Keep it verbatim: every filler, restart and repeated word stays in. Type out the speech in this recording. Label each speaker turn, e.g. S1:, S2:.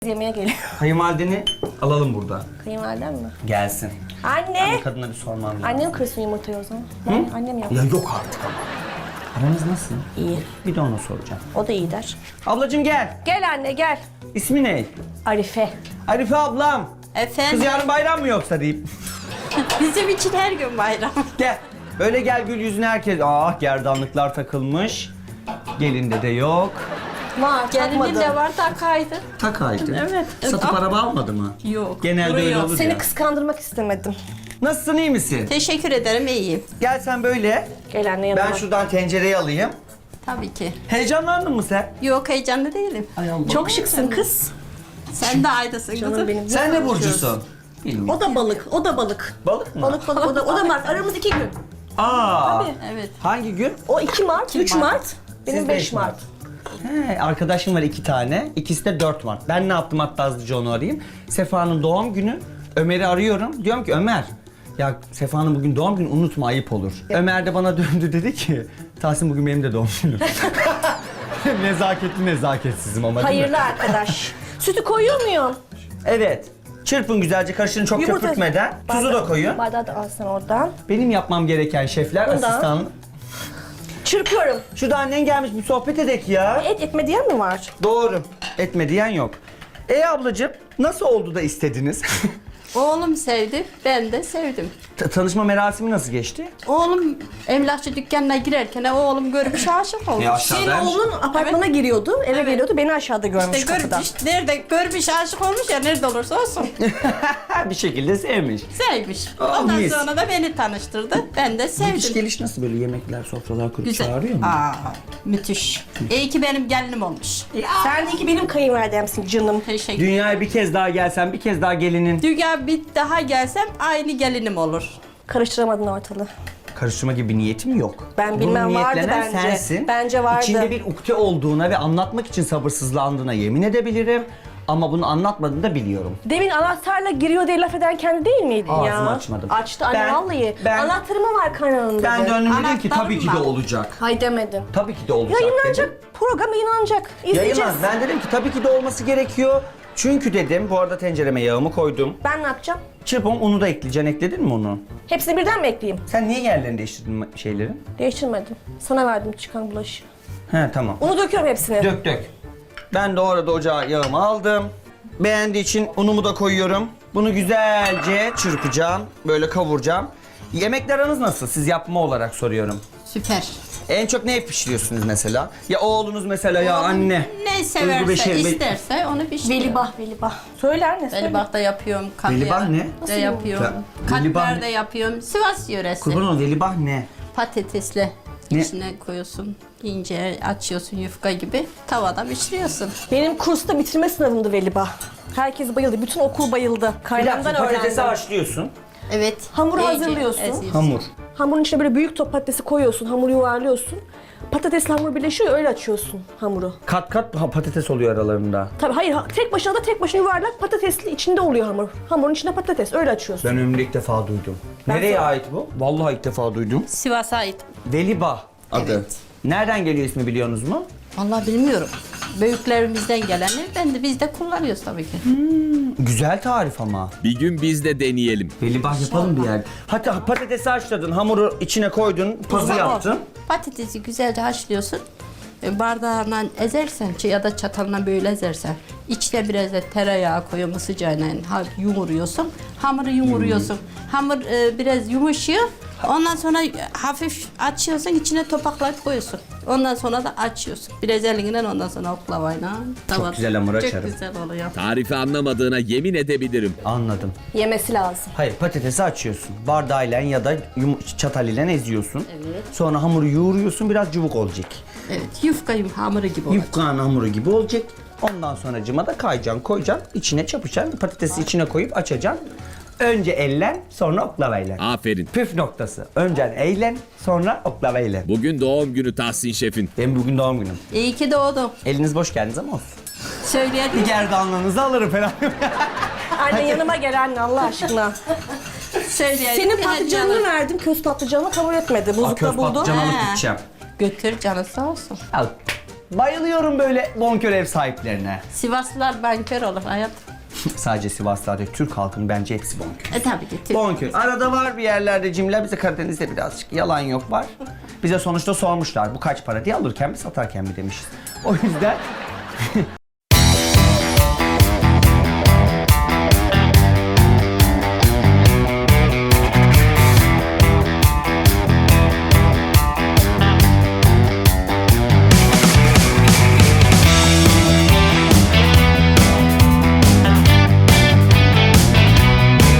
S1: Yemeğe geliyor.
S2: Kayınvalideni alalım burada.
S1: Kayınvaliden mi?
S2: Gelsin.
S1: Anne!
S2: Anne kadına bir sormam lazım.
S1: Annem kırsın yumurtayı o zaman. Ben, annem yapsın.
S2: Ya yok artık. Aranız nasıl?
S1: İyi.
S2: Bir de ona soracağım.
S1: O da iyi der.
S2: Ablacığım gel.
S1: Gel anne gel.
S2: İsmi ne?
S1: Arife.
S2: Arife ablam.
S3: Efendim,
S2: Kız yarın bayram mı yoksa deyip.
S3: bizim için her gün bayram.
S2: Gel. Öyle gel gül yüzüne herkes. Ah gerdanlıklar takılmış. Gelinde de yok.
S1: Var
S3: Gelinin
S1: takmadım.
S3: de var takaydı.
S2: Takaydı.
S3: Evet.
S2: Satıp
S3: Ah.
S2: araba almadı mı?
S3: Yok.
S2: Genelde öyle
S3: duruyor.
S2: olur
S1: Seni
S2: ya.
S1: kıskandırmak istemedim.
S2: Nasılsın, iyi misin?
S3: Teşekkür ederim, iyiyim.
S2: Gel sen böyle.
S1: Gel anne yanıma.
S2: Ben şuradan tencereyi alayım.
S3: Tabii ki.
S2: Heyecanlandın mı sen?
S3: Yok, heyecanlı değilim.
S1: Çok şıksın kız.
S3: Sen de aydasın
S1: Canım
S3: kızım.
S1: benim.
S2: Sen ne burcusun? Bilmiyorum.
S1: O da balık, o da balık.
S2: Balık mı?
S1: Balık balık, o da, o da Mart. Aramız iki gün.
S2: Aa.
S3: Evet.
S2: Hangi gün?
S1: O iki Mart, üç
S3: Mart.
S1: Mart. Benim
S2: Siz
S1: beş
S2: beş
S1: Mart.
S2: He, arkadaşım var iki tane. İkisi de dört Mart. Ben ne yaptım hatta hızlıca onu arayayım. Sefa'nın doğum günü. Ömer'i arıyorum. Diyorum ki Ömer, ya Sefa'nın bugün doğum günü, unutma, ayıp olur. Ömer de bana döndü dedi ki Tahsin bugün benim de doğum günüm. Nezaketli nezaketsizim ama değil mi?
S1: Hayırlı arkadaş. Sütü koyuyor muyum?
S2: Evet. Çırpın güzelce, karıştırın çok
S1: Yumurta-
S2: köpürtmeden. Tuzu da koyun.
S1: Bardağı da alsın oradan.
S2: Benim yapmam gereken şefler,
S1: Bundan.
S2: asistan.
S1: Çırpıyorum.
S2: Şurada annen gelmiş, bir sohbet edek ya.
S1: Et etme diyen mi var?
S2: Doğru. Etme diyen yok. E ablacığım, nasıl oldu da istediniz?
S3: Oğlum sevdi, ben de sevdim.
S2: Ta- Tanışma merasimi nasıl geçti?
S3: Oğlum emlakçı dükkanına girerken oğlum görmüş aşık olmuş.
S1: Senin oğlun apartmana giriyordu, eve
S3: Evet.
S1: geliyordu, beni aşağıda görmüş
S3: İşte
S1: kapıda.
S3: görmüş, nerede görmüş aşık olmuş ya, nerede olursa olsun.
S2: bir şekilde sevmiş.
S3: Sevmiş.
S2: Aa,
S3: Ondan
S2: mis.
S3: sonra da beni tanıştırdı. Ben de
S2: Gidiş
S3: sevdim.
S2: geliş nasıl, böyle yemekler, sofralar kurup
S3: Güzel.
S2: çağırıyor mu?
S3: Aa, müthiş. İyi ki benim gelinim olmuş.
S1: Sen de ki benim kayınvalidemsin canım.
S3: Teşekkür.
S2: Dünyaya bir kez daha gelsen, bir kez daha gelinin.
S3: Dünya bir daha gelsem aynı gelinim olur.
S1: Karıştıramadın ortalığı.
S2: Karıştırma gibi bir niyetim yok.
S1: Ben bilmem,
S2: Bunun
S1: vardı
S2: niyetlenen
S1: bence.
S2: sensin.
S1: Bence vardı.
S2: İçinde bir ukde olduğuna ve anlatmak için sabırsızlandığına yemin edebilirim. Ama bunu anlatmadığını da biliyorum.
S1: Demin anahtarla giriyor diye laf eden kendi değil miydin ya?
S2: Ağzımı açmadım.
S1: Açtı anne
S2: Ben-
S1: vallahi.
S2: ben-
S1: Anahtarı mı var kanalında dedi.
S2: Ben döndüm dedim ki
S3: Anahtarım
S2: tabii ki de
S3: var.
S2: olacak.
S1: Hay demedim.
S2: Tabii ki de olacak
S1: Yayınlanacak,
S2: dedim.
S1: program yayınlanacak. İzleyeceğiz.
S2: Yayınlan. Ben dedim ki tabii ki de olması gerekiyor. Çünkü dedim, bu arada tencereme yağımı koydum.
S1: Ben ne yapacağım?
S2: Çırpın, unu da ekleyeceksin. Ekledin mi onu?
S1: Hepsini birden mi ekleyeyim?
S2: Sen niye yerlerini değiştirdin şeylerin?
S1: Değiştirmedim. Sana verdim çıkan bulaşı.
S2: He tamam.
S1: Unu döküyorum hepsini.
S2: Dök dök. Ben de orada ocağa yağımı aldım. Beğendiği için unumu da koyuyorum. Bunu güzelce çırpacağım. Böyle kavuracağım. Yemekler aranız nasıl? Siz yapma olarak soruyorum.
S3: Süper.
S2: En çok ne pişiriyorsunuz mesela? Ya oğlunuz mesela, ya
S3: Oğlum
S2: anne.
S3: Ne
S2: Duygu
S3: severse,
S2: Beşer, Be-
S3: isterse onu pişiriyor.
S1: Velibah, velibah. Söyle anne söyle.
S3: Velibah da yapıyorum.
S2: Velibah ne?
S3: De yapıyorum.
S2: Ya, velibah
S3: Katmer
S2: ne?
S3: de yapıyorum. Sivas yöresi.
S2: Kurban ol, velibah ne?
S3: Patatesle
S2: Ne?
S3: içine koyuyorsun. İnce açıyorsun yufka gibi. Tavada pişiriyorsun.
S1: Benim kursta bitirme sınavımdı velibah. Herkes bayıldı. Bütün okul bayıldı. Kaynamdan
S2: Patatesi
S1: öğrendim.
S2: haşlıyorsun.
S3: Evet.
S1: Hamuru
S3: iyice
S1: hazırlıyorsun.
S3: eziyorsun.
S2: Hamur.
S1: Hamurun içine böyle büyük top patatesi koyuyorsun. Hamuru yuvarlıyorsun. Patatesle hamur birleşiyor, öyle açıyorsun hamuru.
S2: Kat kat ha- patates oluyor aralarında.
S1: Tabii hayır, ha- tek başına da tek başına yuvarlak patatesli içinde oluyor hamur. Hamurun içinde patates, öyle açıyorsun.
S2: Ben ömrümde ilk defa duydum.
S1: Ben
S2: Nereye
S1: sonra-
S2: ait bu? Vallahi ilk defa duydum.
S3: Sivas'a ait.
S2: Velibah adı.
S3: Evet.
S2: Nereden geliyor ismi, biliyorsunuz mu?
S3: Vallahi bilmiyorum. Büyüklerimizden geleni ben de biz de kullanıyoruz tabii ki.
S2: Güzel tarif ama.
S4: Bir gün biz de deneyelim.
S2: Velibah yapalım bir yer. Hatta patatesi haşladın, hamuru içine koydun, pazı
S3: Tamam.
S2: yaptın.
S3: Patatesi güzelce haşlıyorsun. E, Bardağından ezersen ç- ya da çatalına böyle ezersen, içine biraz da tereyağı koyuyorsun sıcağına, ha- yumuruyorsun. Hamuru yumuruyorsun. Hamur e, biraz yumuşuyor. Ondan sonra hafif açıyorsun, içine topaklayıp koyuyorsun. Ondan sonra da açıyorsun. Biraz elinden, ondan sonra oklavayla. tavada.
S2: güzel hamur açarım.
S3: Çok güzel oluyor.
S4: Tarifi anlamadığına yemin edebilirim.
S2: Anladım.
S1: Yemesi lazım.
S2: Hayır, patatesi açıyorsun. Bardağıyla ya da yum- çatal ile eziyorsun.
S3: Evet.
S2: Sonra hamuru yoğuruyorsun, biraz cıvık olacak.
S3: Evet, yufka yum- hamuru gibi olacak.
S2: Yufkanın hamuru gibi olacak. Ondan sonra cıma da kayacaksın, koyacaksın, içine çapacaksın, patatesi içine koyup açacaksın. Önce ellen, sonra oklavayla.
S4: Aferin.
S2: Püf noktası. Önce eğlen, sonra oklavayla.
S4: Bugün doğum günü Tahsin Şef'in.
S2: Benim bugün doğum günüm.
S3: İyi ki doğdum.
S2: Eliniz boş geldiniz ama olsun.
S3: Söyleyelim.
S2: Bir gerdanlığınızı alırım falan.
S1: Anne yanıma gel anne Allah aşkına.
S3: Söyleyelim.
S1: Senin
S3: Bir
S1: patlıcanını
S3: hediye
S1: verdim, köz patlıcanını kabul etmedi.
S2: Aa,
S1: Buzlukta
S2: köz
S1: buldum.
S2: patlıcan alıp
S3: He.
S2: gideceğim.
S3: Götür canı sağ olsun.
S2: Al. Bayılıyorum böyle bonkör ev sahiplerine.
S3: Sivaslılar bankör olur hayat.
S2: Sadece Sivaslılar değil, Türk halkının bence hepsi bonkör.
S3: E tabii ki. Türk.
S2: Bonkör. Arada var bir yerlerde cimriler, bize Karadeniz'de birazcık yalan yok var. Bize sonuçta sormuşlar bu kaç para diye, alırken mi satarken mi demişiz. O yüzden